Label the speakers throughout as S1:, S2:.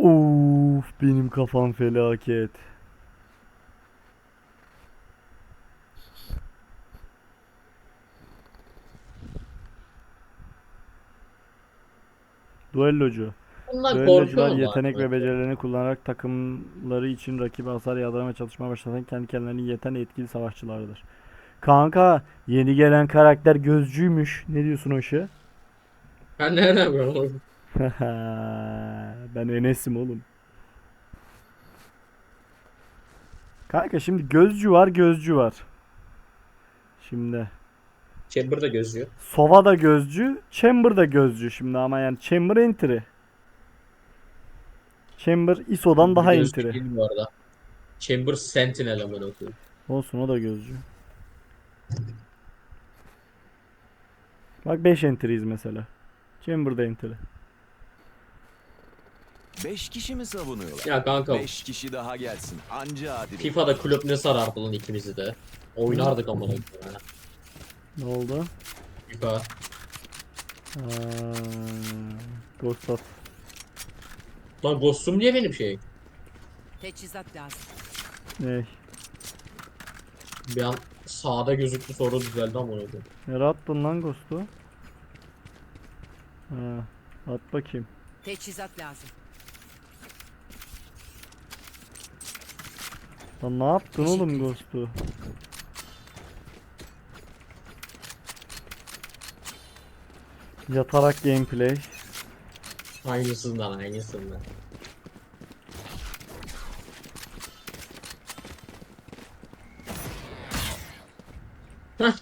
S1: Of, benim kafam felaket. Duellocu.
S2: Bundan korkuyor
S1: Düellocular
S2: mu
S1: yetenek
S2: bari?
S1: ve becerilerini kullanarak takımları için rakibe hasar yağdıramaya çalışmaya başlatan kendi kendilerini yeten etkili savaşçılardır. Kanka, yeni gelen karakter gözcüymüş. Ne diyorsun o işe?
S2: Ben nereden biliyorum?
S1: Ben Enes'im oğlum. Kanka şimdi gözcü var, gözcü var. Şimdi
S2: Chamber da gözüyor.
S1: Sova da gözcü, Chamber da gözcü şimdi ama yani Chamber entry. Chamber ISO'dan
S2: Chamber
S1: daha
S2: gözcü
S1: entry.
S2: değil bu arada. Chamber Sentinel amına koyayım.
S1: Olsun, o da gözcü. Bak 5 entry'yiz mesela. Chamber da entry.
S3: 5 kişi mi savunuyorlar?
S2: Ya kanka
S3: 5 kişi daha gelsin. Anca adil olur.
S2: FIFA'da kulüp ne sarardı lan ikimizi de. Oynardık amına koyayım. Ha.
S1: Ne oldu?
S2: FIFA.
S1: Aa, Ghost at.
S2: Lan Ghost'um diye benim şey.
S4: Teçhizat lazım.
S1: Ne?
S2: Bir an sağda gözüktü sonra düzeldi amına koyayım.
S1: Nereye attın lan Ghost'u? Ha, at bakayım.
S4: Teçhizat lazım.
S1: Lan ne yaptın oğlum
S4: Teşekkür
S1: Ghost'u? Yatarak gameplay.
S2: Aynısından aynısından. Heh.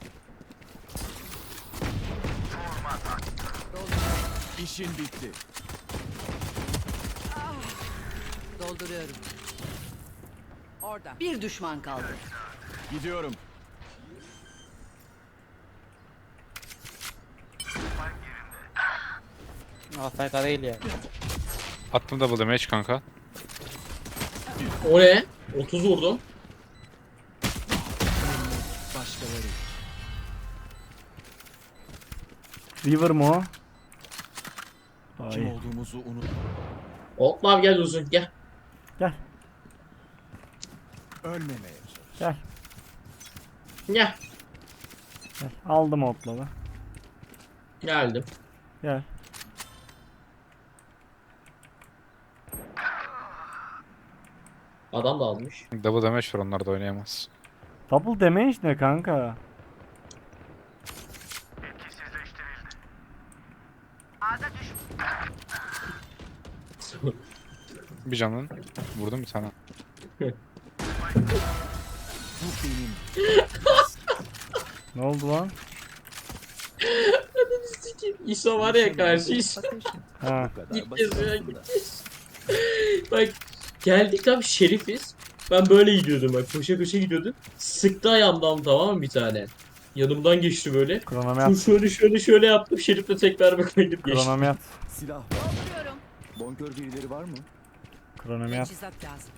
S3: İşin bitti.
S4: Dolduruyorum. Orada. Bir düşman kaldı.
S3: Gidiyorum.
S5: AFK değil ya.
S6: Attım double damage kanka.
S2: O ne? 30 vurdum.
S3: Başkaları.
S1: River mı o?
S3: Kim
S1: Ay.
S3: olduğumuzu unut.
S2: Hopla gel uzun gel.
S1: Gel,
S3: Ölmemeye çalış.
S1: gel,
S2: Gel.
S1: gel. Aldım otları.
S2: Geldim.
S1: Gel.
S2: Adam da almış.
S6: Double damage var, onlar da oynayamaz.
S1: Double damage ne kanka?
S6: Bir canın. Vurdum bir tane.
S3: Bu benim.
S1: Ne oldu lan?
S2: İso var ya karşı İso.
S1: Ha.
S3: Bu kadar
S2: Git
S3: basit
S2: yazıyor,
S3: aslında.
S2: Bak geldik tam şerifiz. Ben böyle gidiyordum bak koşa koşa gidiyordum. Sıktı ayağımdan tamam mı bir tane. Yanımdan geçti böyle.
S1: Kronomi
S2: Şöyle yaptım. Şerifle tekrar bir koydum geçti.
S1: Kronomi
S3: Silah var.
S4: Dolduruyorum.
S3: Bonkör birileri var mı?
S1: Kronomi
S4: Teçhizat lazım.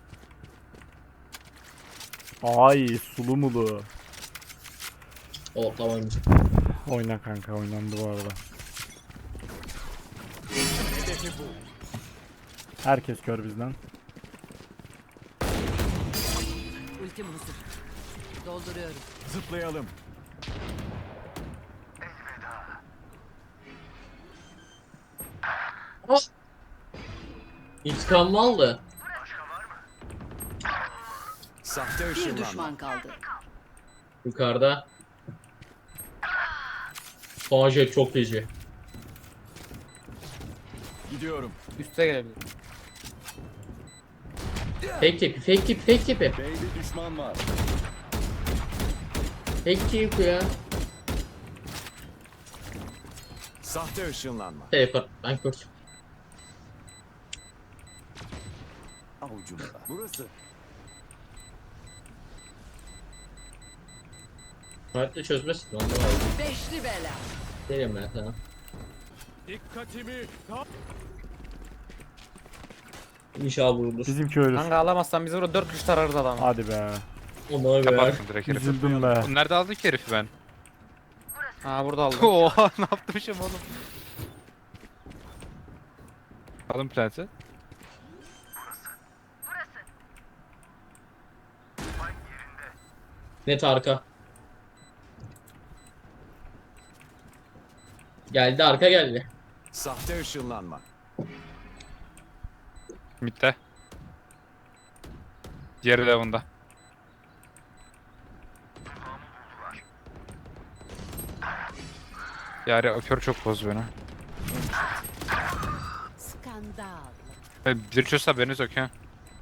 S1: Ay, sulu mulu.
S2: O tamam.
S1: Oyna kanka, oynandı bu arada. Herkes kör bizden.
S4: Ultim hazır. Dolduruyorum.
S3: Zıplayalım.
S2: İntikamımı aldı.
S3: Sahte
S4: Bir
S3: ışınlanma.
S4: düşman kaldı.
S2: Yukarıda. Fajet çok feci.
S3: Gidiyorum.
S5: Üste gelebilir.
S2: Fake tipi, fake tipi, fake tipi.
S3: B'de düşman var.
S2: Fake tipi ya.
S3: Sahte ışınlanma.
S2: Teleport, ben kurt.
S3: Avucumda. Burası.
S2: Hayatta çözmesin. Ondan aldım.
S4: Beşli bela.
S2: Gelin ben sana.
S3: Dikkatimi.
S2: İnşallah vurulur.
S1: Bizimki ölür.
S5: Kanka alamazsan biz burada 4 kişi tararız adamı.
S1: Hadi be.
S2: Ona be.
S6: Kapattım direkt herifi.
S1: Üzüldüm be.
S6: Nerede aldık ki herifi ben?
S5: Ha burada aldım.
S6: Oha, ne yapmışım oğlum? Alın plant'i.
S2: Net arka. Geldi arka geldi.
S3: Sahte ışınlanma.
S6: Mid'de. Diğeri de bunda. Yani öpüyor çok boz beni.
S4: Skandal.
S6: Bir çözse haberiniz yok ya.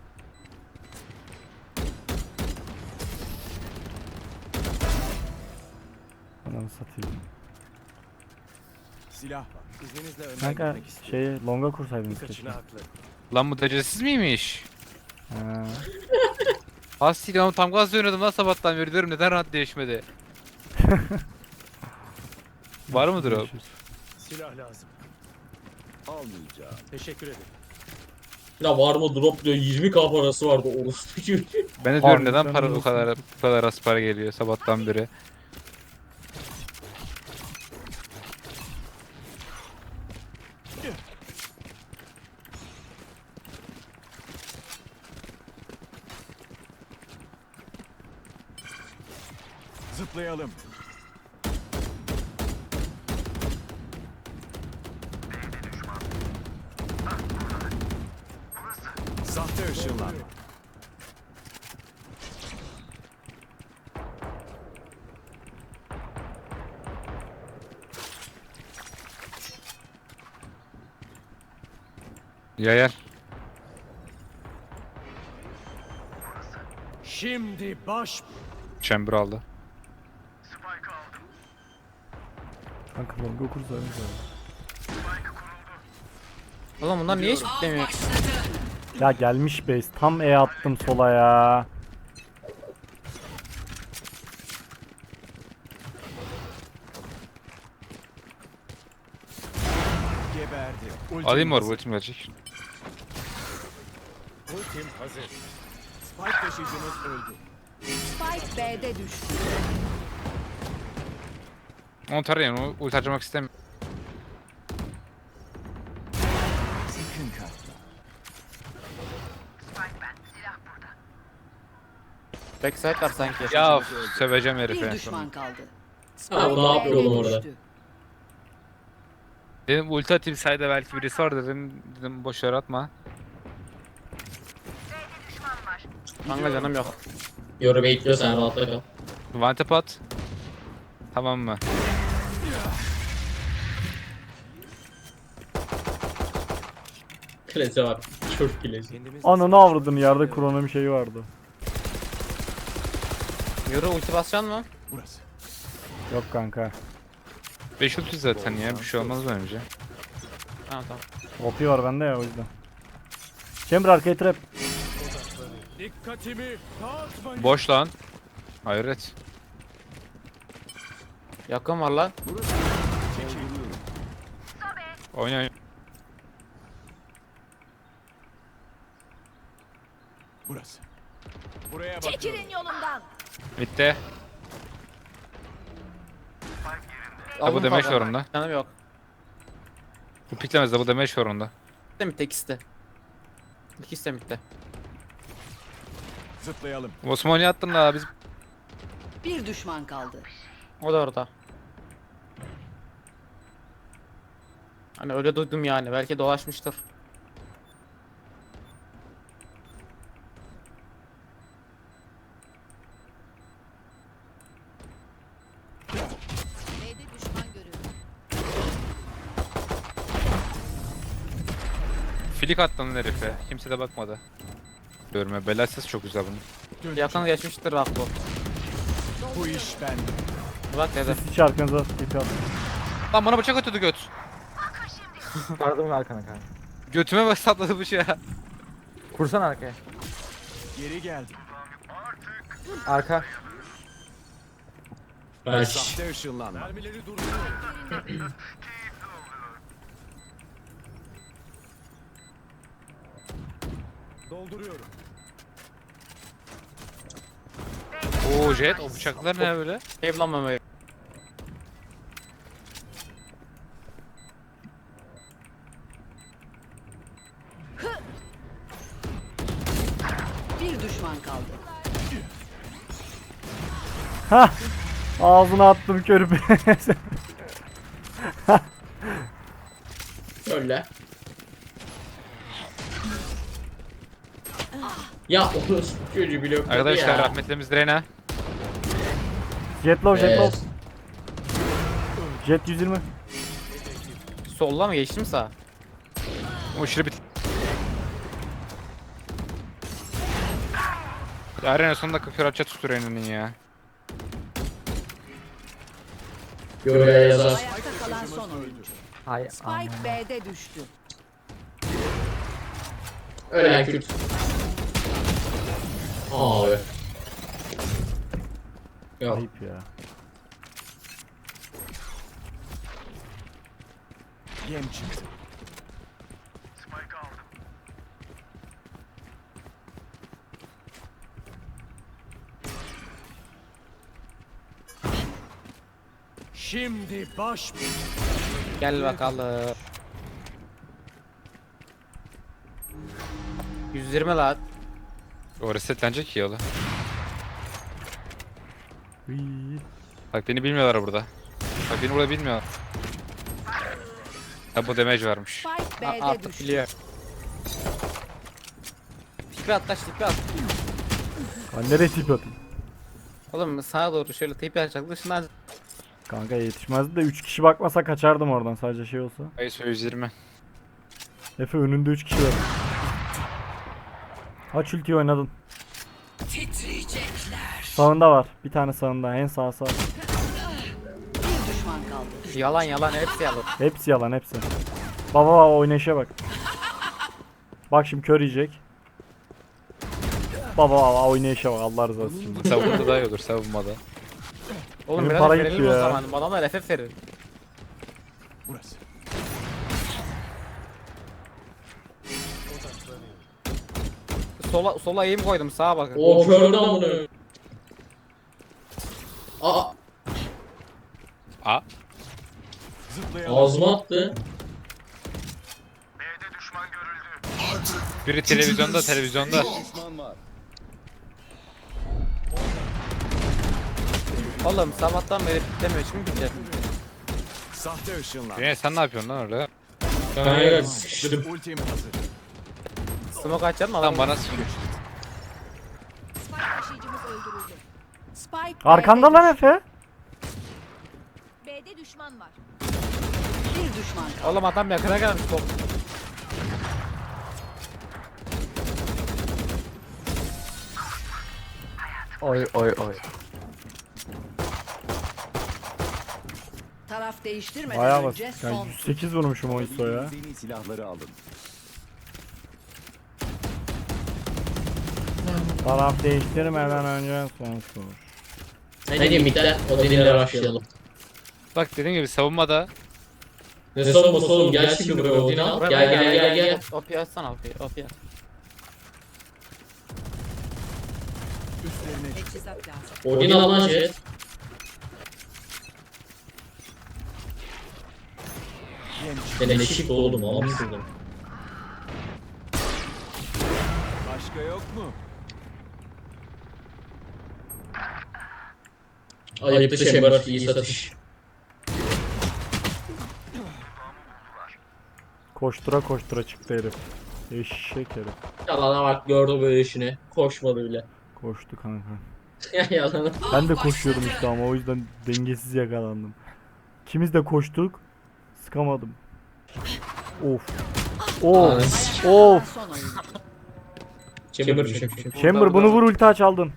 S1: Ananı satayım.
S3: Silah var. İzninizle önden
S1: Kanka
S3: gitmek istiyorum.
S1: longa kursaydınız
S3: Birkaçına
S1: keşke.
S3: haklı.
S6: Lan bu derecesiz miymiş?
S1: Ha.
S6: Hastaydı ama tam gaz oynadım lan sabahtan beri diyorum neden rahat değişmedi? Var mıdır o?
S1: Görüşürüz.
S3: Silah lazım. Almayacağım. Teşekkür ederim.
S2: Ya var mı drop diyor 20k parası vardı orospu gibi.
S6: Ben de diyorum
S1: Harbiden
S6: neden para bu
S1: olsun.
S6: kadar az para geliyor sabahtan beri.
S3: Zıplayalım. Sahte ışınlanma.
S6: Yayar.
S3: Şimdi baş...
S6: Chamber aldı.
S1: Kanka longa kursaydınız abi.
S5: Oğlum bunlar niye hiç bitlemiyor?
S1: Ya gelmiş base. Tam E attım sola ya.
S3: Geberdi.
S6: Alayım mı
S3: hazır.
S6: orbu ultim gelecek.
S3: Ultim hazır. Spike taşıyıcımız öldü.
S4: Spike B'de düştü.
S6: Onu tarayın onu ulti harcamak istemiyorum.
S3: Sakın kaçma.
S5: Backside var sanki.
S6: Ya söveceğim
S4: Bir
S6: herife.
S4: düşman kaldı.
S2: Ha bu ne yapıyor oğlum orada?
S4: düştü.
S6: Dedim ulti atayım sayda belki birisi var dedim boş yere atma.
S5: Kanka canım yok.
S2: Yoru bekliyor sen rahatla kal.
S6: One tap at. Tamam mı?
S2: Klase bak. Çok klase.
S3: Kendimiz
S1: Ananı avradın yerde kronomi şeyi vardı.
S5: Yürü ulti basacaksın mı?
S3: Burası.
S1: Yok kanka.
S6: 5 ulti zaten ya bir şey olmaz bence.
S5: Tamam tamam.
S1: OP var bende ya o yüzden. Chamber arkaya trap.
S3: Dikkatimi dağıtmayın.
S6: Boş lan. Hayret.
S5: Yakın var lan.
S6: Oyna oyna.
S3: Burası. Buraya bakıyorum.
S4: Çekilin yolumdan.
S6: Bitti.
S5: Aldım
S6: Double damage
S5: fazla.
S6: var onda.
S5: Canım yok.
S6: Bu piklemez double damage var onda.
S5: Bitti mi? Tek ikisi de. İkisi de bitti.
S3: Zıplayalım.
S6: Osman'ı attın da biz
S4: Bir düşman kaldı.
S5: O da orada. Hani öyle duydum yani. Belki dolaşmıştır.
S4: B'de düşman görüldü.
S6: filik attın herife. Kimse de bakmadı. Görme bela ses çok güzel bunun.
S5: Yakın geçmiştir bak bu.
S3: Bu iş bende.
S5: Bak dedi.
S1: Siz hiç arkanıza TP atın.
S6: Lan bana bıçak atıyordu göt.
S7: Pardon arkana kanka.
S6: Götüme bas atladı bıçağı.
S7: Kursan arkaya.
S3: Geri geldim.
S7: Arka.
S2: Ben
S3: Sahte ışınlanma. Mermileri durduruyor. Dolduruyorum.
S6: Oo jet o bıçaklar ne böyle?
S5: Evlenmemeyi.
S4: Bir düşman kaldı.
S1: Hah. Ağzına attım körü.
S2: Öyle. Ya onu çocuğu blokladı
S6: Arkadaşlar
S2: ya.
S6: rahmetlimiz Reyna.
S1: Jet low, jet
S2: Evet.
S1: low. Jet 120.
S5: Solla mı geçtim sağa?
S6: O aşırı bit. Ya Reyna son dakika kör atça tuttu Reyna'nın ya.
S2: Göre yazar.
S4: Ayakta kalan son oyuncu.
S7: Hay
S4: Spike B'de düştü.
S2: Ölen Kürt. Abi. Yok.
S1: Ayıp ya.
S3: Yem çıktı. Şimdi baş
S5: Gel bakalım. 120 lan.
S6: O resetlenecek ya oğlum.
S1: Hıy.
S6: Bak beni bilmiyorlar burada. Bak beni burada bilmiyorlar. Ha bu damage varmış.
S4: Spike B'de
S5: Artık
S4: düştü.
S5: biliyor. Tipi at taş tipi at.
S1: Ben nereye tip atayım?
S5: Oğlum sağa doğru şöyle tipi atacak dışından.
S1: Kanka yetişmezdi de 3 kişi bakmasa kaçardım oradan sadece şey olsa.
S6: ISO 120.
S1: Efe önünde 3 kişi var. Aç ultiyi oynadın. Sağında var. Bir tane sağında. En sağ sağ.
S4: Bir düşman kaldı.
S5: Yalan yalan hepsi yalan.
S1: Hepsi yalan hepsi. Baba oynayışa bak. Bak şimdi kör yiyecek. Baba oynayışa bak Allah rızası için.
S6: Savunmada daha iyi olur savunmada.
S5: Oğlum
S1: Benim
S5: biraz
S1: para
S5: verelim
S1: gitti
S5: o
S1: ya.
S5: zaman. Adamlar FF verir.
S3: burası.
S5: Sola eğim koydum sağa bakın.
S2: O kördü amına. Aa,
S6: A.
S3: Zıplayalım.
S2: ağzıma attı.
S6: Biri televizyonda.
S3: Düşman var.
S5: Oğlum sabahtan beri bitlemiyor şimdi bitecek.
S3: Sahte ışınlar.
S6: Reyna sen ne yapıyorsun lan orada?
S2: Kanka sıkıştırdım.
S3: Ultim hazır.
S5: Smoke açalım mı?
S6: Lan bana sıkıyor.
S4: Spike taşıyıcımız öldürüldü. Spike
S1: Arkanda
S4: B'de
S1: lan
S4: düştü.
S1: Efe.
S4: B'de düşman var. Bir düşman kaldı.
S5: Oğlum adam yakına gelmiş top.
S7: Oy oy oy.
S4: Taraf değiştirmeden
S1: Bayağı
S4: önce
S1: basit. Ya
S4: son.
S1: 108 vurmuşum o ISO'ya.
S3: Alabildiğiniz en iyi silahları alın.
S1: Taraf değiştirmeden önce son tur.
S2: Ne diyeyim midden o dinle başlayalım.
S6: Bak dediğim gibi savunmada.
S2: Ne savunması oğlum gel şimdi buraya Odin al. Gel gel gel gel.
S5: OP açsana OP aç.
S3: Üstlerine
S4: Teçhizat lazım.
S2: Odin al lan Jet.
S3: yem çıktı.
S2: Ben eşik oldum almışsın.
S3: Başka yok mu?
S2: Ayıptı Chamber iyi satış.
S1: Koştura koştura çıktı herif. Eşek herif.
S2: Yalana bak gördü böyle işini. Koşmadı bile.
S1: Koştu kanka.
S2: Yalana.
S1: Ben de koşuyordum işte ama o yüzden dengesiz yakalandım. İkimiz de koştuk. Sıkamadım. Of. Of. Of.
S4: Son oyuncu.
S2: Chamber düşük.
S1: Chamber bunu vur ulti aç aldın.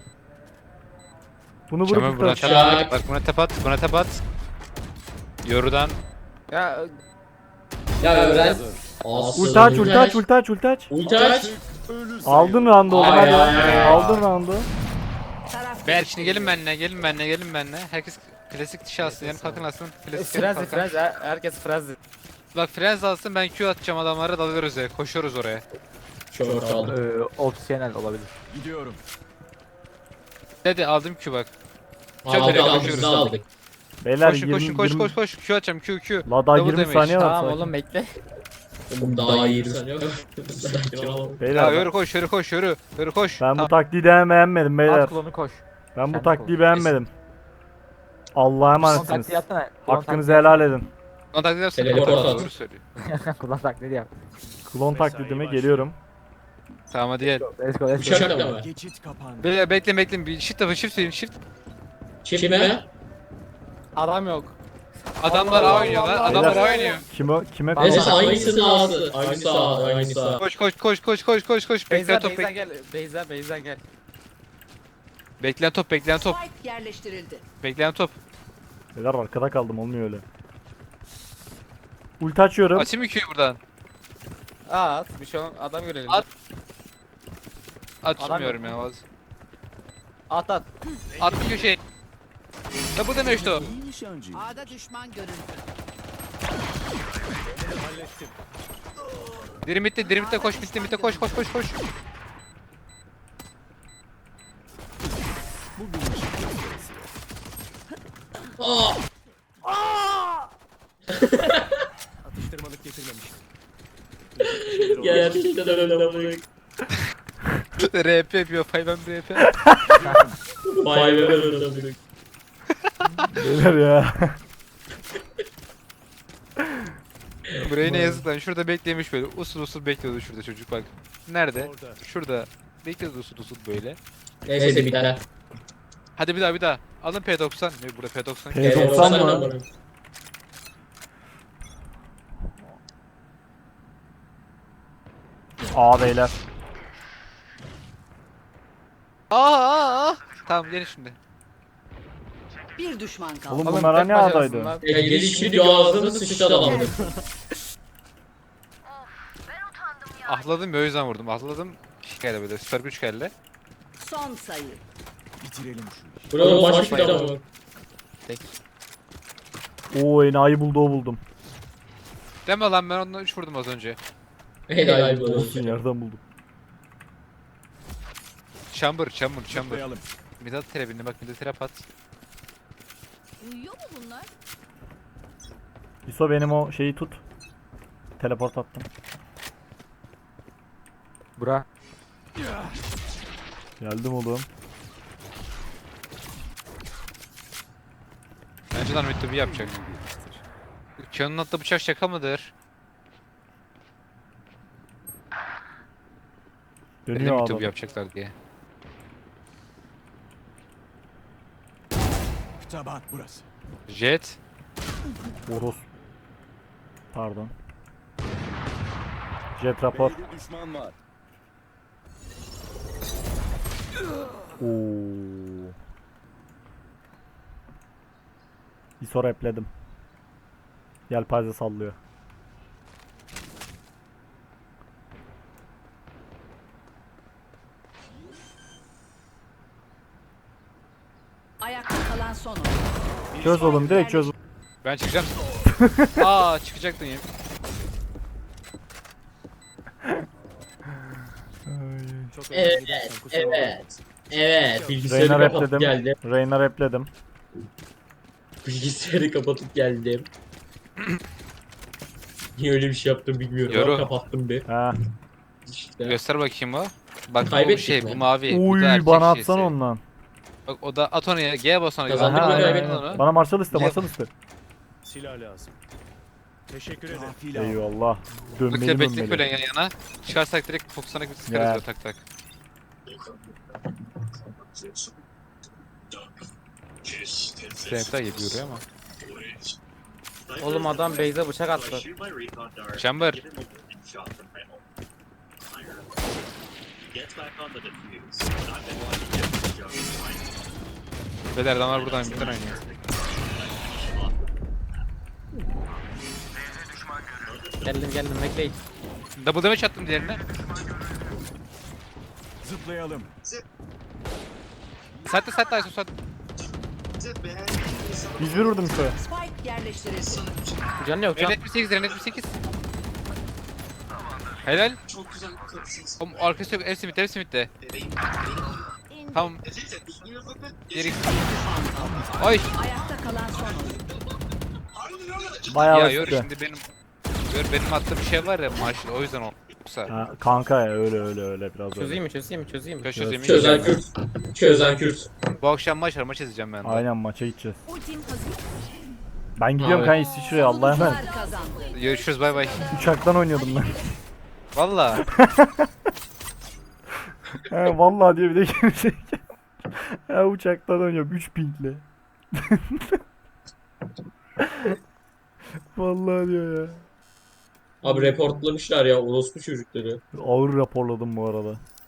S1: Bunu vur
S6: Çamur
S1: ulti
S6: buna
S1: aç.
S6: tep at. Bak buna tep at. Buna tep at. Yorudan.
S5: Ya
S2: Ya öğren.
S1: Ulti aç ulti aç ulti aç ulti aç.
S2: Ulti aç.
S3: Ölü
S1: Aldın roundu oğlum
S2: Ay,
S1: hadi.
S2: ay, ay.
S1: Aldın roundu.
S4: Taraf
S6: Beyler şimdi gelin benimle. Gelin benimle. Herkes klasik dişi alsın. Yani kalkın alsın. Klasik
S5: frenzi
S6: kalkan.
S5: frenzi herkes frenzi.
S6: Bak frenz alsın ben Q atacağım adamlara dalıyoruz ya. Koşuyoruz oraya.
S2: Çok aldım.
S7: Opsiyonel olabilir.
S3: gidiyorum.
S6: Hadi aldım Q bak.
S2: Aldık aldık biz de aldık.
S1: Beyler
S6: Koşun
S1: 20,
S6: koş
S1: 20
S6: Q atacağım Q.
S1: La daha
S6: Double
S1: 20
S6: damage.
S1: saniye var.
S5: Tamam
S1: sakin.
S5: oğlum bekle.
S2: Oğlum daha iyi sanıyor. Sakin ol.
S6: Ya
S1: Beyler
S6: yürü koş yürü koş yürü. Yürü koş.
S1: ben bu
S6: Tamam.
S1: taktiği beğenmedim beyler.
S7: At klonu koş.
S1: Ben bu
S7: Sen
S1: taktiği
S7: konuş.
S1: beğenmedim. Allah'a emanetsiniz.
S7: Taktiği yapsana. Kullan
S1: Hakkınızı helal edin.
S6: Ona taklit yapsana.
S2: Teleport at.
S6: Doğru söylüyor.
S7: Kullan taklidi yap.
S1: Klon taklidime geliyorum.
S6: Tamam hadi gel.
S7: Let's go let's
S2: Uçak
S7: go.
S2: da mı?
S3: Geçit kapandı.
S6: Bekleyin bir shift yapın shift verin shift.
S2: Çift mi?
S5: Adam yok.
S6: Adamlar A oynuyor lan. Adamlar A oynuyor.
S1: Kime
S2: Neyse
S1: klon
S2: aynısı sağsı. Aynı sağ. Aynı sağ.
S6: Koş. Bekleyen
S5: Beyza
S6: top
S5: Beyza gel. Beyza gel.
S6: bekleyen top.
S4: Spike yerleştirildi.
S6: Bekleyen top.
S1: Beyler arkada kaldım, olmuyor öyle. Ulti açıyorum.
S6: Açayım mı Q'yu buradan?
S5: At bir şey olmaz. Adam görelim.
S6: At. Açmıyorum ya.
S5: At.
S6: At köşeye. Ya bu deme işte o.
S3: İyi nişancı.
S4: A'da düşman görüldü.
S3: Hallettim.
S6: Dirimit'te koş mitte koş.
S3: Bugün işin gösterisi. Atıştırmalık getirmemiştim.
S2: Gerçekten öyle bırak.
S6: RP yapıyor. Fayben RP.
S2: Vay be öyle bırak.
S1: Beyler ya.
S6: Buraya ne yazık lan. Şurada beklemiş böyle. Usul bekliyordu şurada çocuk bak. Nerede?
S3: Orada.
S6: Şurada. Bekliyordu usul böyle.
S2: Neyse bir tane.
S6: Hadi bir daha. Alın P90. Ne burada P90?
S1: P90 mı? Aa beyler.
S6: Aa. Tamam gelin şimdi.
S4: Bir düşman kaldı.
S1: Oğlum
S5: Oğlum,
S1: bunlar
S5: tek
S1: hani
S5: başarısın
S1: adaydı?
S5: lan.
S2: Gelişini diyor ağzını sıçtı adamın.
S6: Ahladım ya o yüzden vurdum. Ahladım. Şikayla böyle. Süper güç geldi.
S4: Son sayı.
S3: Bitirelim şu işi.
S2: Buranın başı bir adamı.
S1: Oo enayi buldu, o buldum.
S6: Deme lan ben ondan 3 vurdum az önce.
S2: Helal bu.
S1: Olsun, yerden buldum.
S6: Chamber.
S3: Zıplayalım.
S6: Midat trebini bak Midat trap at.
S4: Uyuyor mu bunlar?
S1: İso benim o şeyi tut. Teleport attım.
S7: Bura.
S1: Geldim oğlum.
S6: Bence lan Mittubi yapacak. Kion'un attığı bıçak şaka mıdır? Belli
S1: Dönüyor
S6: Mittubi
S1: adam.
S6: yapacaklar diye.
S3: Taban burası.
S6: Jet.
S1: Oros. Pardon. Jet rapor.
S3: B'de düşman var.
S1: Oo. İso repledim. Yelpaze sallıyor.
S4: Ayakta kalan son oyun.
S1: Çöz oğlum, direkt çöz.
S6: Ben çıkacağım. Çıkacaktın ya.
S3: Çok
S2: Evet,
S3: önemli dersen kusura bakma.
S2: Evet. Bilgisayarı
S1: Reyna
S2: kapatıp
S1: repledim.
S2: geldim.
S1: Reyna repledim.
S2: Bilgisayarı kapatıp geldim. Niye öyle bir şey yaptım bilmiyorum.
S6: Yoru.
S2: Ama kapattım bir.
S1: Ha.
S2: İşte.
S6: Göster bakayım o. Bak bu
S2: Kaybettik
S6: şey
S2: mi?
S6: bu mavi. bu
S1: Uy
S6: da erkek
S1: bana
S6: şeysi.
S1: atsana ondan.
S6: Bak o da at onu ya. G bas ona.
S2: Kazandık
S1: Aha,
S2: mı,
S1: aynen,
S2: kaybettik
S1: aynen.
S6: onu.
S1: Bana Marshall iste,
S6: Yap.
S1: Marshall iste.
S3: Silah lazım. Teşekkür ederim.
S1: Eyvallah.
S6: Bak
S1: Dönmeli
S6: ya bekle böyle
S1: dönmeli.
S6: yan yana. Çıkarsak direkt fokusana gibi sıkarız
S1: Ya.
S6: böyle tak tak. Snap'ler geliyor oraya ama.
S5: Oğlum adam Beyza bıçak attı.
S6: Chamber. Beyler adamlar buradan bir tane oynuyor.
S5: Geldim bekleyin.
S6: Double damage attım diğerine.
S3: Zıplayalım.
S6: Saatte Aysun saat.
S1: 101 vurdum İso'ya.
S4: Spike yerleştirildi.
S5: Canı yok can.
S6: Ren 78, Ren 78. Helal. Oğlum arkası yok. Hepsi midde. Tamam. Geri. Ay.
S4: Ayakta kalan son oyun.
S1: Bayağı
S6: Ya
S1: basit
S6: yor
S1: de.
S6: şimdi benim attığım bir şey var ya maaşlı o yüzden o. Yoksa
S1: Ha, kanka ya öyle biraz öyle.
S5: Çözeyim mi?
S6: çözeyim.
S2: Çözen Kürt. Çözen Kürt.
S6: Bu akşam maç var, maç izleyeceğim ben de.
S1: Aynen maça gideceğiz.
S4: Ultim hazır.
S1: Ben gidiyorum
S2: Abi.
S1: kanka İsviçre'ye Allah'a emanet.
S4: Savunucular kazandı.
S6: Görüşürüz, bay bay.
S1: Uçaktan oynuyordum ben.
S6: Valla.
S1: He vallahi diyor bir de gelecek. Ya uçaktan oynuyorum 3 pingle. Vallahi diyor ya.
S2: Abi reportlamışlar ya orospu çocukları.
S1: Ağır raporladım bu arada.